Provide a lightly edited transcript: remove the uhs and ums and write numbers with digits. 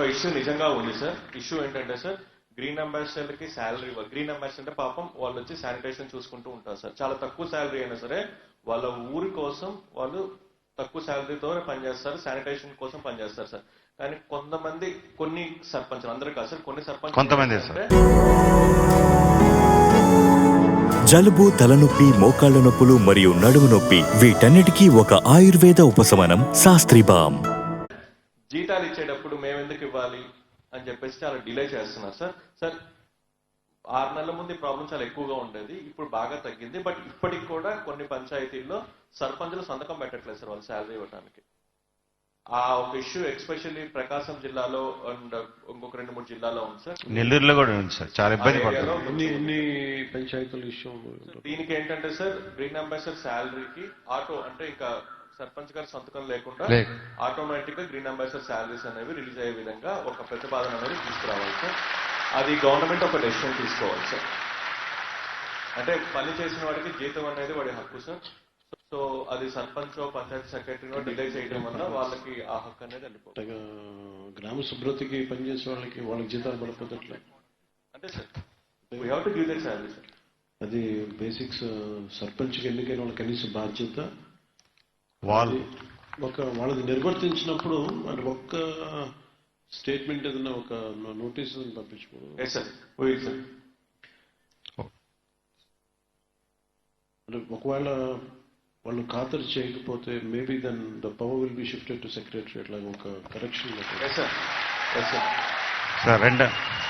ఒక ఇష్యూ నిజంగా ఉంది సార్. ఇష్యూ ఏంటంటే సార్, గ్రీన్ అంబాసిడర్ కి శాలరీ, గ్రీన్ అంబాసిడర్ అంటే పాపం వాళ్ళు వచ్చి శానిటేషన్ చూసుకుంటూ ఉంటారు సార్. చాలా తక్కువ శాలరీ అయినా సరే వాళ్ళ ఊరి కోసం వాళ్ళు తక్కువ శాలరీతో పనిచేస్తారు, శానిటేషన్ కోసం పనిచేస్తారు సార్. కానీ కొంతమంది, కొన్ని సర్పంచులు, అందరూ కాదు సార్, కొన్ని సర్పంచ్ కొంతమంది జలుబు, తలనొప్పి, మోకాళ్ల నొప్పులు మరియు నడుము నొప్పి, వీటన్నిటికీ ఒక ఆయుర్వేద ఉపశమనం శాస్త్రి బామ్. జీతాలు ఇచ్చేటప్పుడు మేము ఎందుకు ఇవ్వాలి అని చెప్పేసి చాలా డిలే చేస్తున్నారు సార్. సార్ 6 నెలల ముందు ఈ ప్రాబ్లం చాలా ఎక్కువగా ఉండేది, ఇప్పుడు బాగా తగ్గింది. బట్ ఇప్పటికి కూడా కొన్ని పంచాయతీల్లో సర్పంచులు సంతకం పెట్టట్లేదు సార్ వాళ్ళు శాలరీ ఇవ్వడానికి. ఆ ఒక ఇష్యూ ఎస్పెషల్లీ ప్రకాశం జిల్లాలో అండ్ ఇంకొక 2-3 జిల్లాలో ఉంది సార్. నెల్లూరులో కూడా ఉంది సార్, చాలా ఇబ్బంది పడుతుంది. పంచాయతీల ఇష్యూ. దీనికి ఏంటంటే సార్, గ్రీన్ అంబాసిడర్ శాలరీకి ఆటో అంటే ఇంకా సర్పంచ్ గారి సంతకం లేకుండా ఆటోమేటిక్ గా గ్రీన్ అంబాసిడర్ శాలరీస్ అనేవి రిలీజ్ అయ్యే విధంగా ఒక ప్రతిపాదన అనేది తీసుకురావాలి సార్. అది గవర్నమెంట్ ఒక డెసిషన్ తీసుకోవాలి సార్. అంటే పని చేసిన వాడికి జీతం అనేది వాడి హక్కు సార్. సో అది సర్పంచ్, పంచాయతీ సెక్రటరీనో డిలే చేయడం వల్ల వాళ్ళకి ఆ హక్కు అనేది వెళ్ళిపోతుంది. గ్రామ శుభ్రతకి పనిచేసే వాళ్ళకి జీతాలు పడిపోతట్లే అంటే sir we have to give that salary sir. అది బేసిక్స్. సర్పంచ్కి ఎన్నికైన వాళ్ళ కనీస బాధ్యత వాళ్ళది నిర్వర్తించినప్పుడు అది ఒక్క స్టేట్మెంట్ ఏదైనా ఒక నోటీస్ పంపించుకోవడం. అంటే ఒకవేళ వాళ్ళు ఖాతరు చేయకపోతే maybe then the power will be shifted to secretary. అట్లా ఒక కరెక్షన్. సార్